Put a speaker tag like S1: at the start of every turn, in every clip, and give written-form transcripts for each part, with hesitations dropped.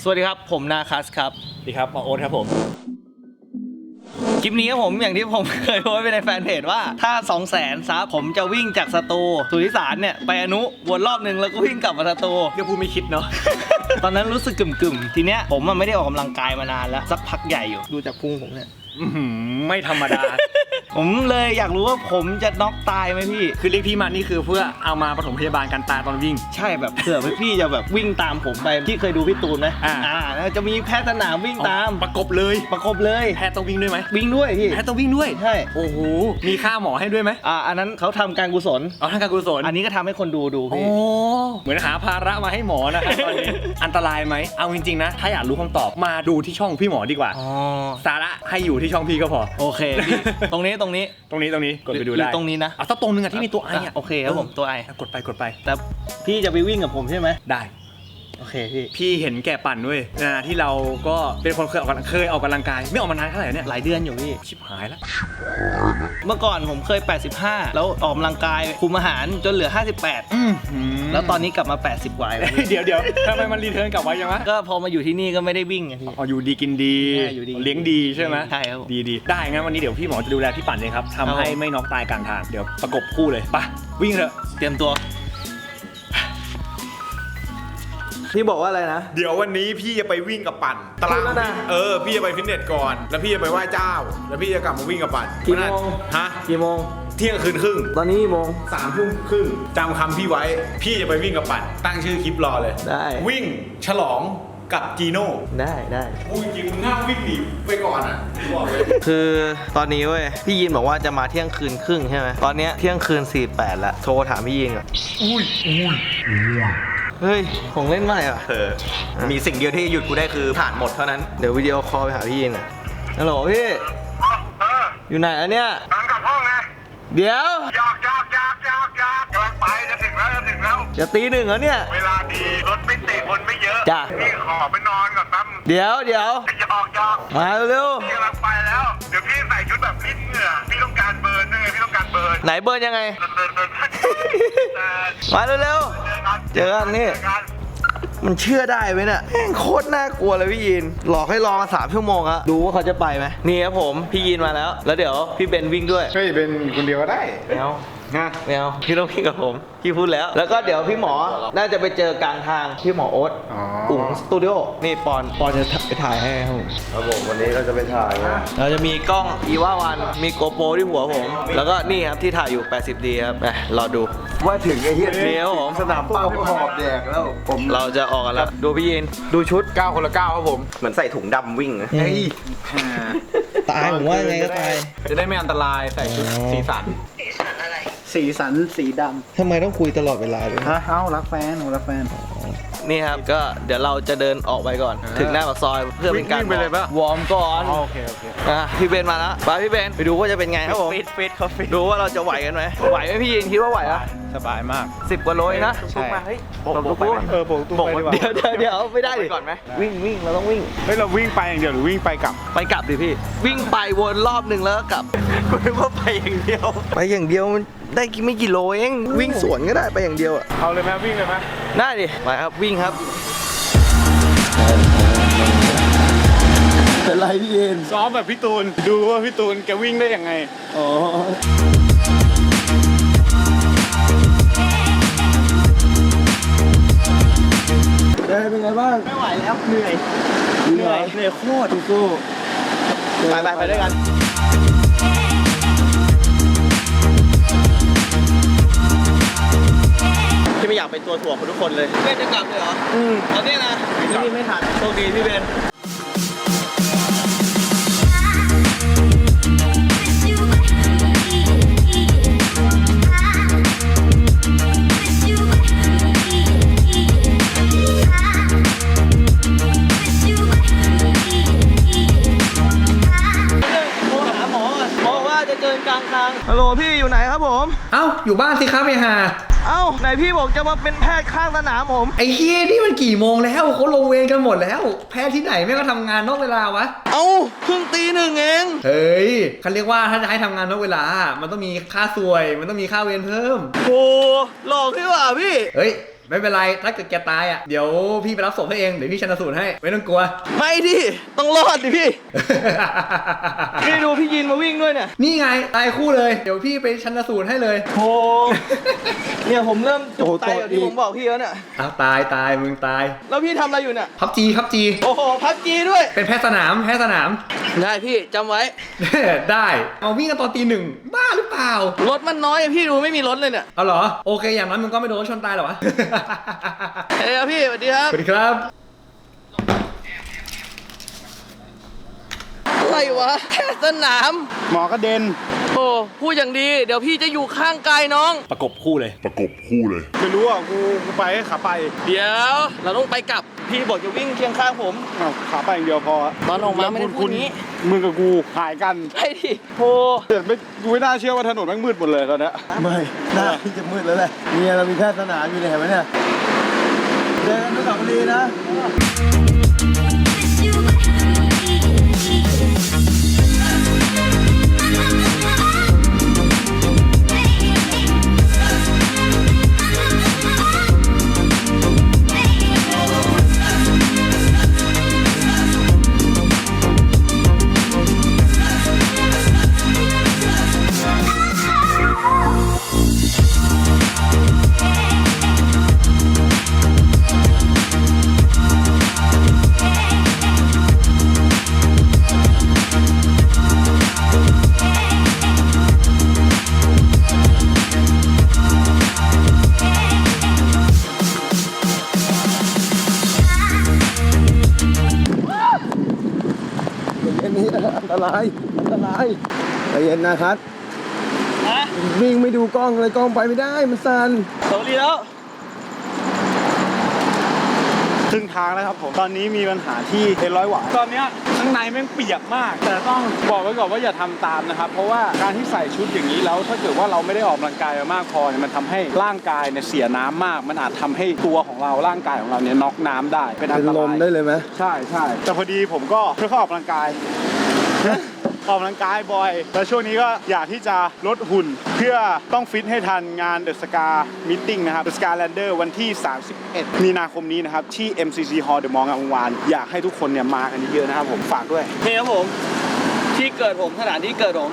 S1: สวัสดีครับผมนาคัสครับ
S2: สวัสดีครับหมอโอ๊ตครับผม
S1: คลิปนี้ครับผมอย่างที่ผมเคยโพสต์ไปในแฟนเพจว่าถ้า 200,000 ซับผมจะวิ่งจากสตูสุริสารเนี่ยไปอนุวนรอบนึงแล้วก็วิ่งกลับมาสตู
S2: เดี๋ยวพูดไม่คิดเนาะ
S1: ตอนนั้นรู้สึกกึ่มๆทีเนี้ยผมไม่ได้ออกกำลังกายมานานแล้วสักพักใหญ่อยู่ดูจากพุงผมเนี่ย
S2: ไม่ธรรมดา
S1: ผมเลยอยากรู้ว่าผมจะน็อกตายไหมพี่
S2: คือเรียกพี่มานี่คือเพื่อเอามาปฐมพยาบาลการตายตอนวิ่ง
S1: ใช่แบบเผื่อพี่จะแบบวิ่งตามผมไปที่เคยดูพี่ตูนไหมจะมีแพทย์สนามวิ่งตาม
S2: ประกบเลยแพทย์ต้องวิ่งด้วยไหม
S1: วิ่งด้วยพี่
S2: แพทย์ต้องวิ่งด้วย
S1: ใช่
S2: โอ้โหมีค่าหมอให้ด้วยไหม
S1: อันนั้นเขาทำการกุศล
S2: ทำการกุศล
S1: อันนี้ก็ทำให้คนดูพี่
S2: เหมือนหาภาระมาให้หมอนะครับตอนนี้อันตรายไหมเอาจริงๆนะถ้าอยากรู้คำตอบมาดูที่ช่องพี่หมอดีกว่าสาระให้อยู่ที่ช่องพี่ก็พอ
S1: โอเคตรงนี้
S2: กดไปดูได้
S1: ตรงนี้นะ
S2: ถ้าตรงนึงที่มีตัวไอ
S1: โอเคครับผมตัวไอก
S2: ดไป
S1: แต่พี่จะไปวิ่งกับผมใช่ไหม
S2: ได้
S1: โอเค
S2: พี่เห็นแก่ปั่นด้วยที่เราก็เป็นคนเคยออกกำลังกายไม่ออกมานานเท่าไหร่เนี่ย
S1: หลายเดือนอยู่พี่
S2: ชิบหายแล้ว
S1: เมื่อก่อนผมเคย85แล้วออกกำลังกายคุมอาหารจนเหลือ58แล้วตอนนี้กลับมา80กว่าแล้ว
S2: เดี๋ยวทำไมมันรีเทิร์นกลับมายังวะ
S1: ก็พอมาอยู่ที่นี่ก็ไม่ได้วิ่งไงพี่
S2: อยู่ดีกินดีเลี้ยงดีใช่ไหม
S1: ใช่ครับ
S2: ดีได้งั้นวันนี้เดี๋ยวพี่หมอจะดูแลพี่ปั่นเลยครับทำให้ไม่น็อกตายกลางทางเดี๋ยวประกบคู่เลยไปวิ่งเถอะ
S1: เตรียมตัวพี่บอกว่าอะไรนะ
S3: เดี๋ยววันนี้พี่จะไปวิ่งกับปั่นตารางพี่จะไปฟิตเนสก่อนแล้วพี่จะไปไหว้เจ้าแล้วพี่จะกลับมาวิ่งกับปั่น
S1: กี่โมงกี่โมง
S3: เที่ยงคืนครึ่ง
S1: ตอนนี้โมง
S3: 3 ทุ่มครึ่งจำคำพี่ไว้พี่จะไปวิ่งกับปั่นตั้งชื่อคลิปรอเลย
S1: ได้
S3: วิ่งฉลองกับจีโน่
S1: ได้
S3: พูดจริงมึงห้ามวิ่งหนีไปก่อนอ่ะบอกเลย
S1: คือตอนนี้เว้ยพี่ยินบอกว่าจะมาเที่ยงคืนครึ่งใช่ไหมตอนนี้เที่ยงคืน48แล้วโทรถามพี่ยินอ่ะเฮ้ยของเล่นใหม่อ่ะ
S2: มีสิ่งเดียวที่หยุดกูได้คือผ่านหมดเท่านั้น
S1: เดี๋ยววิดีโอคอลไปหาพี่ยินอ่ะฮัลโหลพี่อยู่ไหนอ่ะเนี่ย
S4: กำลังกลับห้องไง
S1: เดี๋ยว
S4: อยากกำลังไปจะถึงแล้ว
S1: จะตี 1แล้วเนี่ย
S4: เวลาดีรถไม่ติดคนไม่เยอะ
S1: จ้ะ
S4: พี่ขอไปนอนก่อนแป๊บ
S1: เดี๋ยว
S4: อยาก
S1: มาเร็ว
S4: พี่กำลังไปแล้วเดี๋ยวพี่ใส่ชุดแบบลิ้นเหงื่อพี่ต้องการเบิร์นพี่ต้องการเบิร์น
S1: ไหนเบิร์นยังไงมาเร็วเจอกันนี่มันเชื่อได้ไหมเนี่ยโคตรน่ากลัวเลยพี่ยินหลอกให้รอมา3 ชั่วโมงอะดูว่าเขาจะไปไหมนี่ครับผมพี่ยินมาแล้วเดี๋ยวพี่เบนวิ่งด้วย
S3: เฮ้ยเบนคนเดียวก็ได้
S1: ไม่เอาพี่ต้องวิ่งกับผมพี่พูดแล้วก็เดี๋ยวพี่หมอน่าจะไปเจอกลางทางพี่หมอโอ๊ตอุ๋งสตูดิโอนี่ปอนจะไปถ่ายให้
S3: ครับผมวันนี้เราจะไปถ่าย
S1: เราจะมีกล้องอีว่าวันมีโกโปรที่หัวผมแล้วก็นี่ครับที่ถ่ายอยู่ 80D ครับไปรอดู
S3: ว่าถึงไอ้เหี้ย
S1: เดี๋ยวผม
S3: สนามเป้าหอบแดกแล้ว
S1: เราจะออกกันแล้วดูพี่ยินดูชุด
S3: 9 คนละ 9ครับผม
S2: เหมือนใส่ถุงดำวิ่ง
S1: เฮ้ยตายผมว่าไงก็ตาย
S2: จะได้ไม่อันตรายใส่ชุดสีสัน
S5: สีดำ
S1: ทำไมต้องคุยตลอดเวลาเลย
S5: รักแฟนหนูรักแฟน
S1: นี่ครับก็เดี๋ยวเราจะเดินออกไปก่อนถึงหน้าปากซอยเพื่อเป็นการวอร์มก่อน
S2: โอเค
S1: พี่เบนมาแล้วไปพี่เบนไปดูว่าจะเป็นไงครับผม
S2: ฟิตเขาฟิต
S1: ดูว่าเราจะไหวกันไหมไหวไหมพี่ยินคิดว่าไหวอ่ะ
S2: สบายมาก
S1: 10 กว่าโลนะ
S2: ใช่
S1: โบกเดี๋ยวไม่ได้ดิ
S2: ก่อนไหม
S1: วิ่งเราต้องวิ่ง
S3: เฮ้ยเราวิ่งไปอย่างเดียวหรือวิ่งไปก
S1: ลับดิพี่วิ่งไปวนรอบนึงแล้วก็กลับ
S2: กูนึกว่าไปอย่างเดียว
S1: มันได้ไม่กี่โลเองวิ่งสวนก็ได้ไปอย่างเดียวอ่ะ
S3: เอาเลยไหมวิ่งเลยไหม
S1: ได้ดิไปครับวิ่งครับเป็นไรพี่เอ็น
S3: ซ้อมแบบพี่ตูนดูว่าพี่ตูนแกวิ่งได้ยังไง
S1: อ๋อได้เป็นไงบ้าง
S2: ไม่ไหวแล้วเหนื่อยโคตร
S1: สู้ไปด้วยกันที่ไม่อยากเป็นตัวถ่วงของทุกคนเลยเบนจะกลับเลยเหรอตอนนี้นะพี่ไม่ทันโชคดีพี่เบนฮัลโหลพี่อยู่ไหนครับผม
S2: อยู่บ้านสิครับไอ้ห่า
S1: ไหนพี่บอกจะมาเป็นแพทย์ข้างสนามผม
S2: ไอ้เฮียนี่มันกี่โมงแล้วเขาลงเวรกันหมดแล้วแพทย์ที่ไหนแม่งก็ทำงานนอกเวลาวะ
S1: เพิ่งตี 1เอง
S2: เฮ้ยเขาเรียกว่าถ้าจะให้ทำงานนอกเวลามันต้องมีค่าสวยมันต้องมีค่าเวรเพิ่ม
S1: โอ้หลอกพี่ว่ะพี่
S2: เฮ้ยไม่เป็นไรถ้าเกิดแกตายอ่ะเดี๋ยวพี่ไปรับศพให้เองเดี๋ยวพี่ชันสูตรให้ไม่ต้องกลัว
S1: ไม่ดิต้องรอดดิพี่ พี่ดูพี่ยินมาวิ่งด้วยเนี่ย
S2: นี่ไงตายคู่เลยเดี๋ยวพี่ไปชันสูตรให้เลย
S1: โอ้เนี่ยผมเริ่มจุกไตอย่างที่ผมบอกพี่แล้วเนี่ย
S2: อ้าวตายมึงตาย
S1: แล้วพี่ทำอะไรอยู่เนี่ย
S2: พับจี
S1: โอ้โหพักจีด้วย
S2: เป็นแพทย์สนาม
S1: ได้พี่จำไว้
S2: ได้เอาวิ่งกันตอนตี 1บ้าหรือเปล่าร
S1: ถมันน้อยอะพี่ดูไม่มีรถเลยเนี่ย
S2: เอาเหรอโอเคอย่างนั้นมึงก็ไม่โดนรถชนตายหรอวะ
S1: เฮ้ยพี่สวัสดีครับ
S2: สวัสดีครับ
S1: อะไรวะแค่สนาม
S5: หมอกระเด็น
S1: โอ้พูดอย่างดีเดี๋ยวพี่จะอยู่ข้างกายน้อง
S2: ประกบคู่เลย
S3: ไม่รู้อ่ะกูไปให้ขาไป
S1: เดี๋ยวเราต้องไปกลับพี่บอกจะวิ่งเคียงข้างผม
S5: ขาไปอย่างเดียวพอ
S1: ตอนออกมาไม่ได้พูดนี้
S5: มึงกับกูหายกัน
S1: ใช่ดิโอ้
S5: เดี๋ยวกูไม่น่าเชื่อว่าถนนแม่งมืดหมดเลยตอนเนี้ย
S6: ไม่หน้าพี่จะมืดแล้วแหละเนี่ยเรามีแพทย์สนามอยู่เนี่ยเห็นไหมเนี่ยเดินไปกับลีนะ อันนี้อันตรายใจเย็นนะครับ
S1: ฮะ
S6: วิ่งไม่ดูกล้องเลยกล้องไปไม่ได้มันสั่น
S1: สวัสดีแล้ว
S5: ครึ่งทางแล้วครับผม ตอนนี้มีปัญหาที่เต็นร้อยหวาตอนเนี้ยข้างในแม่งเปียกมาก แต่ต้องบอกไว้ก่อนว่าอย่าทำตามนะครับ เพราะว่าการที่ใส่ชุดอย่างนี้แล้วถ้าเกิดว่าเราไม่ได้ออกกำลังกายมามากพอเนี่ยมันทำให้ร่างกายเนี่ยเสียน้ำมาก มันอาจทำให้ตัวของเราร่างกายของเราเนี่ยน็อกน้ำได้เป็นอัน
S6: เป็น
S5: ต
S6: ล
S5: ราม ย
S6: ได้เลยไหม
S5: ใช่แต่พอดีผมก็เพื่อเข้าออกกำลังกาย ออกกำลังกายบ่อย แล้วช่วงนี้ก็อยากที่จะลดหุ่น เพื่อต้องฟิตให้ทันงาน The Scar Meeting นะครับ The Scar Lander วันที่ 31 มีนาคมนี้นะครับ ที่ MCC Hall The Mall งามวงศ์วานอยากให้ทุกคนเนี่ยมากันเยอะๆนะครับผมฝากด้วย
S1: นี่ครับผมที่เกิดผมสถานที่เกิดผม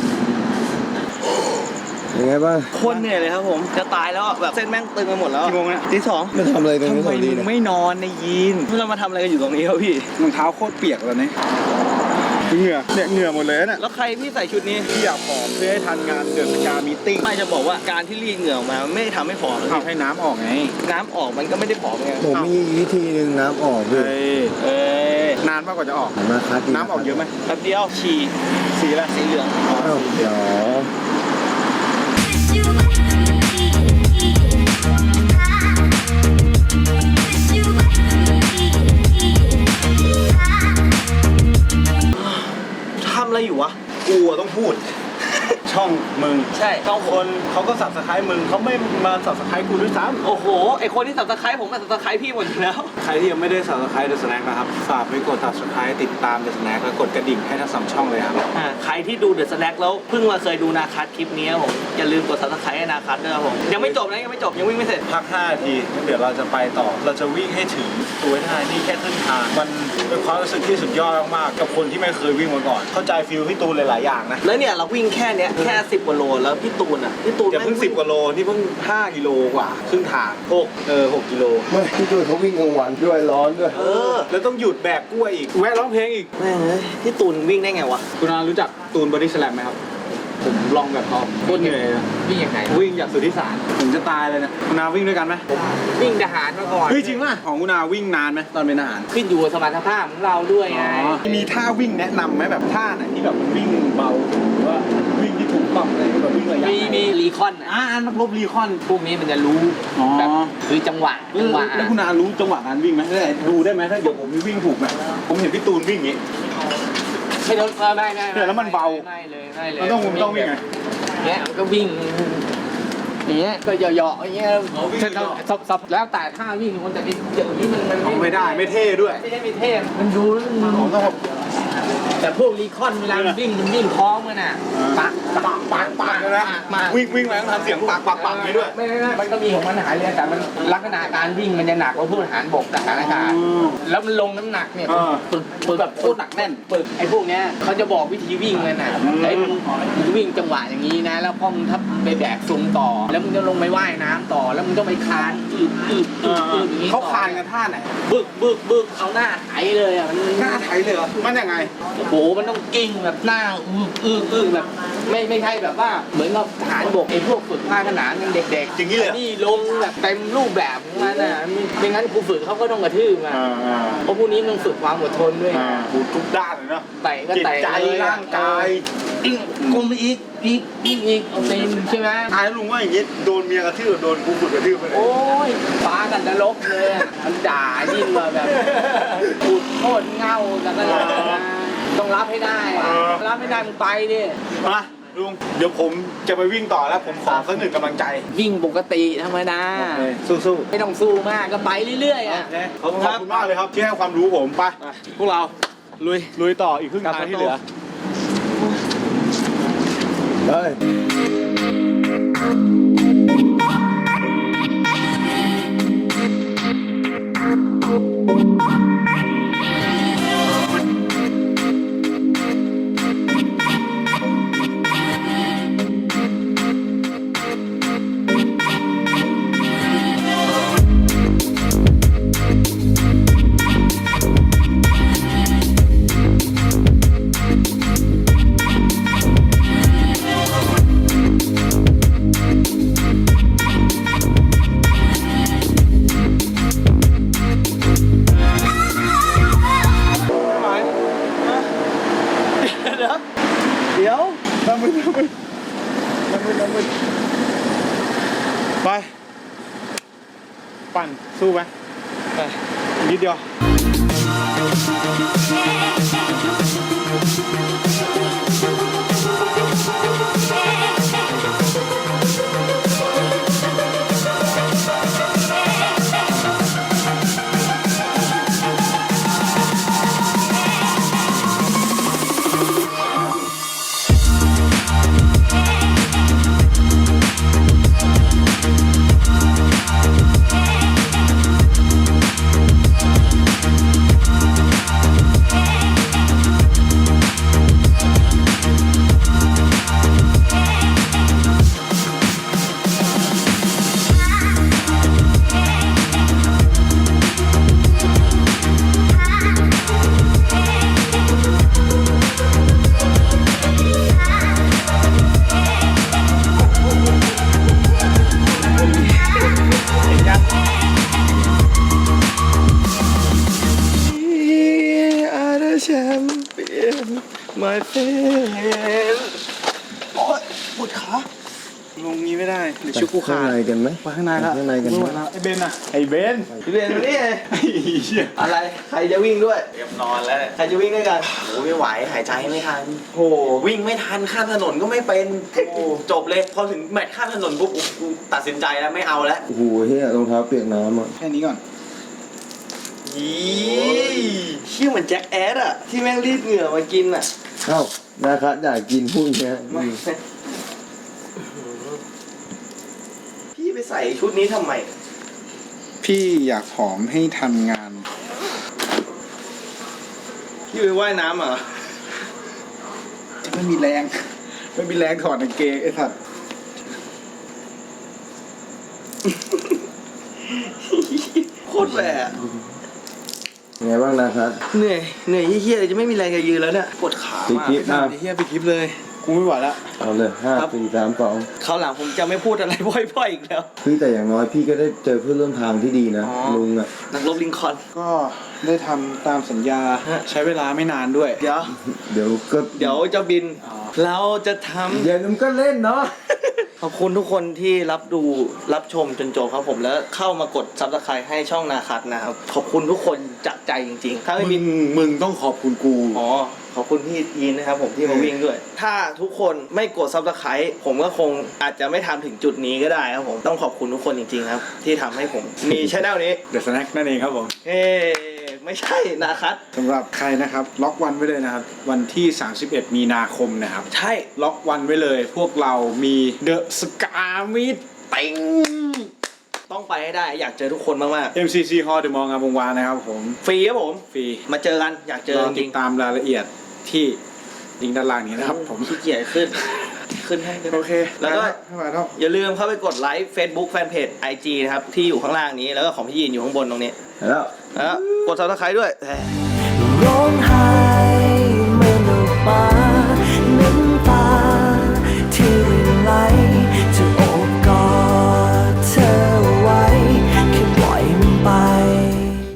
S6: ยังไงบ้าง
S1: โคนเหนื่อยเลยครับผมจะตายแล้วอะแบบเส้นแม่งตึงไปหมดแล้ว
S5: กี่โมงเนี่ย
S1: ตีสอง
S6: ไม่ทำอะไรตรงนี้สองดี
S5: มึ
S6: เนี่ย
S5: งไม่นอนในยีน
S1: เรามาทำอะไรกันอยู่ตรงนี้ครับพี่
S5: รองเท้าโคตรเปียกแล้วเนี่ยเหงื่อเนี่ยเหงื่อหมดเลยเนี่ย
S1: แล้วใครพี่ใส่ชุดนี้
S5: ที่อยากผอมเพื่อให้ทันงาน The Scar Meeting
S1: ไม่จะบอกว่าการที่รีดเหงื่อออกมามันไม่ได้ทำให้ผอมนะ
S5: เอา
S1: พี่
S5: ให้น้ำออกไง
S1: น้ำออกมันก็ไม่ได้ผอมไง
S6: ผมมีวิธีหนึ่งน้ำออกด้วย
S1: เอ้ย
S5: นานมากกว่าจะออก
S6: มาคัดดี
S5: น้ำออกเยอะไหม
S1: แป๊บเดียวฉี่
S5: สีอะไร
S1: สีเหลือง
S6: อ้าวเดี๋ยว
S1: ทำอะไรอยู่วะ
S5: กูอะต้องพูด ช่องมึง
S1: ใช่ต้อง
S5: คนเขาก็สับสไครต์มึงเขาไม่มาสับสไครต์กูด้วยซ้
S1: โอ้โหไอคนที่สับตะไคร้ผมกับสับตะไคร้พี่หมดอยู่แล้ว
S5: ำใครที่ยังไม่ได้สับสไครต์ The Snack นะครับฝากไปกด subscribe ติดตาม The Snack และกดกระดิ่งให้ทั้ง2ช่องเลยครับ
S1: ใครที่ดูเดอะสแน็คแล้วเพิ่งมาเคยดูนาคัทคลิปนี้ครับผมอย่าลืมกดซับสไครต์ให้นาคัทด้วยครับผมยังไม่จบนะยังไม่จบยังวิ่งไม่เสร็จ
S5: พัก5นาทีงั้นเดี๋ยวเราจะไปต่อ เราจะวิ่งให้ถึงตัวท่านี่แค่ครึ่งทาง มันเป็นความรู้สึกที่สุดยอดมากๆกับคนที่ไม่เคยวิ่งมาก่อน เข้าใจฟีลพี่ตูนหลายๆอย่างนะ
S1: แล้วเนี่ยเราวิ่งแค่เนี้ยแค่10 กว่าโลแล้วพี่ตูน
S5: อย่าเพิ่ง10 กว่าโล นี่เพิ่ง5 กิโลกว่าครึ่งทาง6 กิโล
S6: ไม่พี่ตูนเขาวิ่งกลางวันด้วยร้อนด้วย
S5: แล้วต้องหยุดแบกกล้วยอีก แวะร้องเพลงอีก
S1: แม่งเอ้ยพี่ตูนวิ่งได้ไงวะ
S5: คุณอารู้จักตูนบอดี้สแลมไหมครับ ผมลองแบบเขาโคตรเหนื่อยนะ
S2: วิ่งยังไง
S5: วิ่งจากสุทธิสารผมจะตายเลยนะคุณอาวิ่งด้วยกันไหม
S2: วิ่งทหารมาก่อน
S5: เฮ้ยจริงป่ะของคุณอาวิ่งนานไหมตอนเป็นทหาร
S2: ขึ้นอยู่กับสมรรถภาพของเราด้วยไง
S5: มีท่าวิ่งแนะนำไหมแบบท่าไหนที่แบบมันวิ่งเบาหรือว่าวิ่งที่ถูกต้องอะไรแบบวิ่งระยะ
S2: มีรีคอน
S5: นักรบรีคอน
S2: พวกนี้มันจะรู้
S5: อ๋อ
S2: แบบคือจังหวะ
S5: แล้วคุณอารู้จังหวะการวิ่งไหมดูได้ไหมถ้าเดี๋ยวผมวิ่งถูกไหมผมเห็นพี่ตูนวิ่งอย่างงี้
S2: ไม่ลดไม่
S5: เนี่ยแล้วมันเบา
S2: ไม่เลย
S5: มันต้องวิ่งไง
S2: เงี้ยมันก็วิ่งอย่างเงี้ยก็เหยาะๆอย่างเงี้ยสับแล้วแต่ท่าวิ่งมันแต่อย่างนี้มัน
S5: ไม่ได้ไม่เท่ด้วย
S2: ไม่ได้มีเท่มันดูแล้วมัน
S5: ผมต้อง
S7: แต่พวกรีคอนเวลามันวิ่งพร้อมกันน่ะปัก
S5: เลยนะ
S7: มา
S5: วิ่งมาต้องทำเสียงปักนี้ด้วย
S7: ไม่มันก็มีของมันหายเลยแต่มันลักษณะการวิ่งมันจะหนักกว่าพวกทหารบกทหารอากาศแล้วมันลงน้ำหนักเนี่ยปึกแบบโคตรหนักแน่นปึกไอ้พวกเนี้ยเขาจะบอกวิธีวิ่งกันน่ะไอ้มึงวิ่งจังหวะอย่างนี้นะแล้วพอมึงทับไปแบกซุงต่อแล้วมึงจะลงไปว่ายน้ำต่อแล้วมึงต้องไปคานอย่างนี้
S5: เขาคานกันท่าไหน
S7: บึกเอาหน้าไถเลยอ่ะมัน
S5: หน้าไทยเลยเหรอมันยังไง
S7: โอ้โหมันต้องกิ้งแบบหน้าอึ้งแบบไม่ใช่แบบว่าเหมือนกับทหารบกไอ้พวกฝึกภาคขนานยังเด็กๆ
S5: อย่างนี้เลย
S7: นี่ลงแบบเต็มรูปแบบของมันน่ะไม่งั้นครูฝึกเขาก็ต้องกระทืบอ่ะเพราะพวกนี้มันฝึกความอดทนด้วย
S5: ทุกด้านเลยเนาะ
S7: เตะก็
S5: จิต
S7: เตะ
S5: ใจ
S7: เลย
S5: ร่างกาย
S7: กลมอีกเอาเต็มใช่ไหม
S5: ตายลุงว่าอย่างงี้โดนเมียกระทืบโดนกูฝึกกระทืบไปเลย
S7: โอ้ยฟ้ากันนรกเลยอ่ะมันด่ายิ่งกว่าแบบขุดโคตรเง่าแล้วก็ต้องรับให้ได้อะรับไม่ได้มึงไปดิ
S5: มาลุงเดี๋ยวผมจะไปวิ่งต่อแล้วผมขอสักหนึ่งกำลังใจ
S7: วิ่งปกติธรรมดา
S5: สู้
S7: ไม่ต้องสู้มากก็ไปเรื่อยๆอ่ะ
S5: ๆขอบคุณมากเลยครับที่ให้ความรู้ผมไปพวกเราลุยต่ออีกครึ่งทางที่เหลือ
S6: เฮ้ย
S1: เดี๋ยว
S5: น้ำมือไปปั่นสู้ไหมไปนิดเดียวลงนี้ไม่ได้เดี๋ยวชุบกูขาด
S6: ข้างในกันไหม
S5: ไปข้างในละ
S6: ข้างในกันไหม
S5: ไอ้เบนอะไอ้เบน
S1: พี่เบนมานี่
S5: ไอ้เหี้ย
S1: อะไร ใครจะวิ่งด้วย
S8: เตรียมนอนแล้วเนี่ย
S1: ใครจะวิ่งด้วยกัน
S8: โอ้ไม่ไหวหายใจไม่ทันโอ้วิ่งไม่ทันข้ามถนนก็ไม่เป็นโอ้จบเลยพอถึงแมตช์ข้ามถนนปุ๊บกูตัดสินใจแล้วไม่เอาแล้ว
S6: โอ้โหเฮียรองเท้าเปียกน้ำอ่ะ
S5: แค่นี้ก่อน
S1: เชี่ยเหมือนแจ็คแอดอะที่แม่งรีดเหงื่อมากินอะ
S6: เอ้านะครับอยากกินพวกเนี้ย
S1: พี่ไปใส่ชุดนี้ทำไม
S5: พี่อยากผอมให้ทันงาน
S1: พี่ไปว่ายน้ำเหรอ
S5: ไม่มีแรงถอดกางเกงไอ้สัตว์
S1: โคตรแหวะ
S6: ไงบ้างนะครับ
S1: เหนื่อยเฮี้ยๆเลยจะไม่มีแรงจะยืนแล้วเนี่ยปวดขา
S6: ปิด
S1: มาก
S6: คลิปนะ
S5: ไอ้เหี้ยไปคลิปเลย กูไม่ไหวแล้ว
S6: เอาเลย5 4 3 2
S1: คราวหลังผมจะไม่พูดอะไรบ่อยๆอีกแล้ว
S6: พี่แต่อย่างน้อยพี่ก็ได้เจอเพื่อนร่วมทางที่ดีนะ ลุงอ่ะ
S1: นักรบลิงคอล์น
S5: ก็ได้ทำตามสัญญา ใช้เวลาไม่นานด้วย
S1: เดี๋ยว
S6: เดี๋ยวก็
S1: จะบิน เราจะทำ
S6: เดี๋ยวมันก็เล่นเนาะ
S1: ขอบคุณทุกคนที่รับชมจนจบครับผมแล้วเข้ามากดซับสไครต์ให้ช่องนาคัทนะครับขอบคุณทุกคนจากใจจริงๆถ้าไม่มี
S5: มึงต้องขอบคุณกู
S1: อ๋อขอบคุณพี่ยีนนะครับผมที่มาวิ่งด้วย ถ้าทุกคนไม่กดซับสไครต์ผมก็คงอาจจะไม่ทำถึงจุดนี้ก็ได้ครับผมต้องขอบคุณทุกคนจริงๆครับที่ทำให้ผมมีช่องนี้
S5: The Snack นั่นเองครับผม
S1: เฮ้ไม่ใช่นาคัส
S5: สำหรับใครนะครับล็อกวันไว้เลยนะครับวันที่ 31 มีนาคมนะครับ
S1: ใช่
S5: ล็อกวันไว้เลยพวกเรามีเดอะสกามิตติ้ง
S1: ต้องไปให้ได้อยากเจอทุกคนมาก
S5: MCC Hall เดอะมอลล์งามวงวานนะครับผม
S1: ๆฟรีครับผม
S5: ฟรี
S1: มาเจอกันอยากเจอ
S5: รอ
S1: จ
S5: ติ
S1: ริ
S5: ด
S1: ง
S5: ตามรายละเอียดที่ลิงก์ด้านล่างนี้นะครับผม
S1: ขี้เกียจขึ้นให้กัน
S5: โอเค
S1: แล้วก็
S5: มาครับ
S1: อย่าลืมเข้าไปกดไลค์ Facebook Fanpage IG นะครับ ที่อยู่ข้างล่างนี้แล้วก็ของพี่ยีนอยู่ข้างบนตรงนี้
S6: แล้ว
S1: แล้วกด Subscribe ด้วย
S6: ร้องไห้